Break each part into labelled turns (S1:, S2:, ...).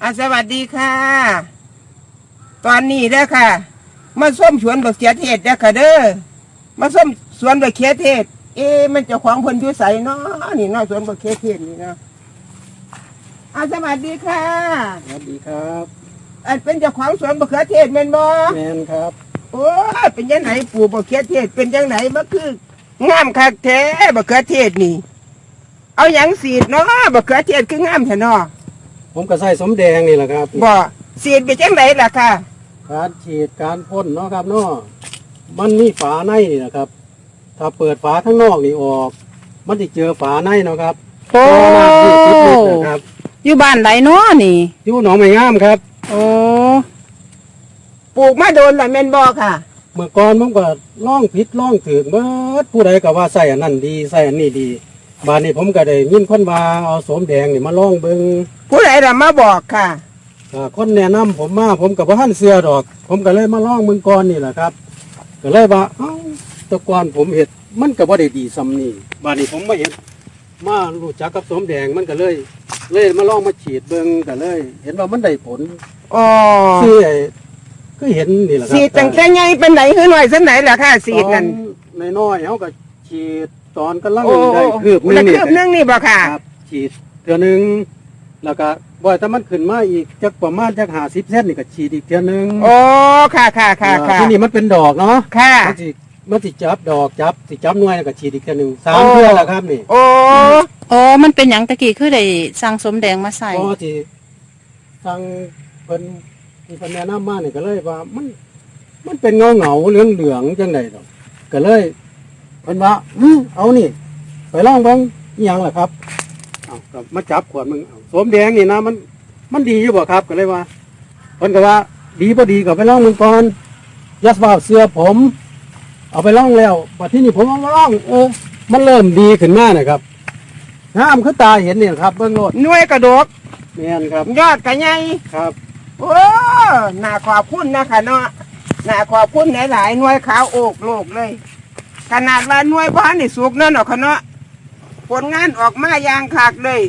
S1: สวัสดีค่ะตอนนี้เด้อค่ะมาส้มสวนบักเขือเทศเด้อค่ะเด้อมาส้มสวนบักเขือเทศมันเจ้าของเพิ่นอยู่ไสเนาะนี่เนาะสวนบักเขือเทศนี่เนาะสวัสดีค่ะ
S2: สวัสดีครับ
S1: เป็นเจ้าของสวนบักเขือเทศแม่นบ่
S2: แม่นครับ
S1: โอ้ยเป็นจังไหนปลูกบักเขือเทศเป็นจังไหนมันคืองามคักแท้บักเขือเทศนี่เอาหยังสีดเนาะบักเขือเทศคืองามแท้เนาะ
S2: ผมก็ใส่สมแดงนี่แหละครับ
S1: บ่สีดไปจังไหนล่ะค่ะ
S2: การฉีดการพ่นเนาะครับเนาะมันมีฝาในนี่นะครับถ้าเปิดฝาข้างนอกนี่ออกมันจะเจอฝาในเนาะครับ
S3: โอ้
S2: ครับ
S3: อยู่บ้านไหนเนาะนี่
S2: อยู่หนองไม้งามครับ
S3: โอ้
S1: ปลูกมาโดนละแม่นบ่ค่ะ
S2: เมื่อก่อนผมก็ล่องผิดล่องถึงเบิดผู้ใดก็ว่าใส่อันนั้นดีใส่อันนี้ดีบานนี้ผมก็ได้ยินคนว่าเอาสมแดงนี่มาล่องเบิ่ง
S1: ผู้ใดล่ะมาบอกค่ะ
S2: คนแนะนำผมมาผมกับพ่อท่านเสือดอกผมก็เลยมาล่องเมืองก่อนนี่แหละครับก็เลยว่าตะกอนผมเห็ดมันก็บ่ได้ดีซ้ำนี่บานนี้ผมมาเห็นมารู้จักกับสมแดงมันก็เลยมาล่องมาฉีดเบิ่งก็เลย เห็นว่ามันได้ผลคือก็เห็นนี่แหละครับ
S1: สีดตั้งแต่ใหญ่เป็นไหนคือหน่อยสักไหนล่ะค่ะสีดนั่น
S2: น้อยเขาก็ฉีดตอนกำลังได้คืบ
S1: นึงนี่บ่ค่ะ
S2: ฉีดเทื่อนึงแล้วก็บ่อยแต่มันขึ้นมาอีกจักประมาณจัก50 เซนนี่ก็ฉีดอีกเทื่อนึง
S1: โอ้ค่ะ
S2: ที่นี่มันเป็นดอกเนาะ
S1: ค่ะ
S2: มันสิจับดอกจับหน่วยแล้วก็ฉีดอีกเทื่อนึง3 เทื่อแล้วครับนี่
S3: โอ้มันเป็นหยังตะกี้คือได้สั่งสมแดงมาใส่
S2: ก็ที่สั่งเพิ่นที่เพิ่นแนะนำมานี่ก็เลยว่ามันเป็นเงาเหลืองจังได๋ดอกก็เลยเพิ่นว่าเอานี่ไปลองเบิ่งอีหยังล่ะครับก็มาจับขวดมึงสมแดงนี่นะมันดีอยู่บ่ครับก็เลยว่าเพิ่นก็ว่าดีบ่ดีก็ไปลองมึงก่อนยัสว่าเสื้อผมเอาไปลองแล้วบัดที่นี่ผมเอามาลองมันเริ่มดีขึ้นมานะครับงามคือตาเห็นนี่ครับเบิ่งโลด
S1: หน่วยกระดก
S2: แม่นครับ
S1: ยอดก็ใหญ่
S2: ครับ
S1: โอ้น่าขอบคุณนะคะเนาะน่าขอบคุณหลายๆหน่วยขาวโอกโลกเลยขนาดว่าหน่วยบ้านนี่สุกนั่นหรอกเนาะผลงานออกมาอย่างคักเลย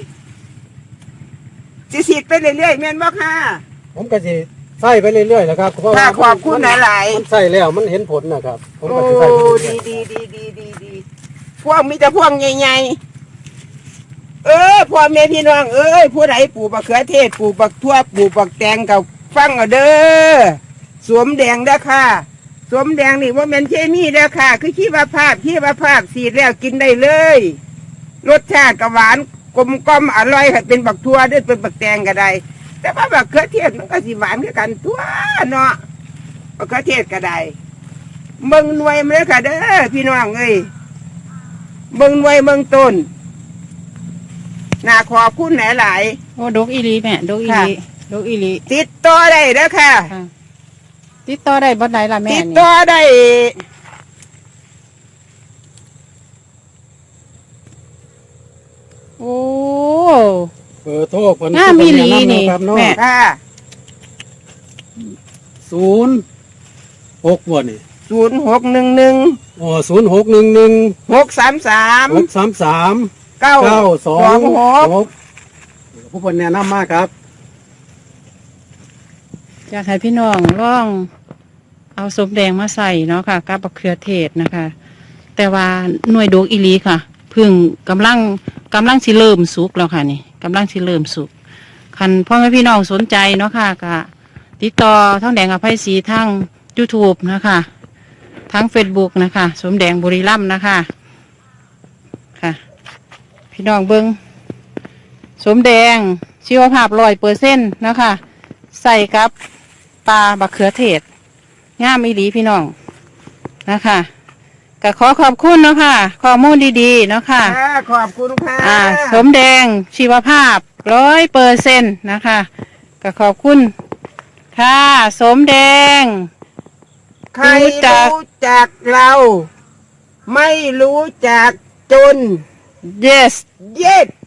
S1: สิไปเรื่อยๆแม่นบ่ค่ะ
S2: ผมก็สิใส่ไปเรื่อยๆนะครับเพราะว่า
S1: ขอบคุณหลาย
S2: ๆมันใส่แล้วมันเห็นผลนะครับผมก็
S1: สิใส่ไปเรื่อยๆดีพวกมีแต่พวกใหญ่ๆพ่อแม่พี่น้องผู้ใดปลูกบักเขือเทศปลูกบักทั่วปลูกบักแตงกับฟังเอาเด้อสวมแดงเด้อค่ะสวมแดงนี่ว่าเป็นเคมีเด้อค่ะคือชีวภาพสีดแล้วกินได้เลยรสชาติก็หวานกลมกล่อมอร่อยเป็นบักทั่วด้วยเป็นบักแตงก็ได้แต่ว่าบักเขือเทศมันก็สิหวานคือกันทั่วเนาะบักเขือเทศก็ได้เบิ่งหน่วยมันเลยค่ะเด้อพี่น้องเบิ่งหน่วยเบิ่งต้นน่าขอบคุณหลาย
S3: โอ้ดกอีหลีแม่ดกอีหลี
S1: ติดต่อได้เด้อค่ะ
S3: ติดต่อได้บ่ไหนล่ะแม่
S1: ติดต่อได้
S3: โอ้
S2: เบอร์โทรเพิ่น
S3: มีหลีนี่
S1: แม่ค่ะ
S2: 06บ่นี่
S1: 0611
S2: 0611
S1: 633
S2: 926ผู้เพิ่นแนะนำมาครับ
S3: อยากให้พี่น้องลองเอาสมแดงมาใส่เนาะค่ะกับบักเขือเทศนะคะแต่ว่าหน่วยดกอีหลีค่ะพึ่งกำลังสิเริ่มสุกแล้วค่ะนี่กำลังสิเริ่มสุกคันพ่อแม่พี่น้องสนใจเนาะค่ะก็ติดต่อท้องแดงอภัยศรีทาง YouTube นะคะทั้ง Facebook นะคะสมแดงบุรีรัมย์นะคะค่ะพี่น้องเบิ้งสมแดงชีวภาพ100%นะคะใส่กับปลาบักเขือเทศงามอีหลีพี่น้องนะคะก็ขอบคุณเนาะค่ะข้อมูลดีๆเนาะค่ะ
S1: ขอบคุณค่ะ
S3: สมแดงชีวภาพ100%นะคะก็ขอบคุณค่ะสมแดง
S1: ใครรู้จักเราไม่รู้จักจน
S3: yes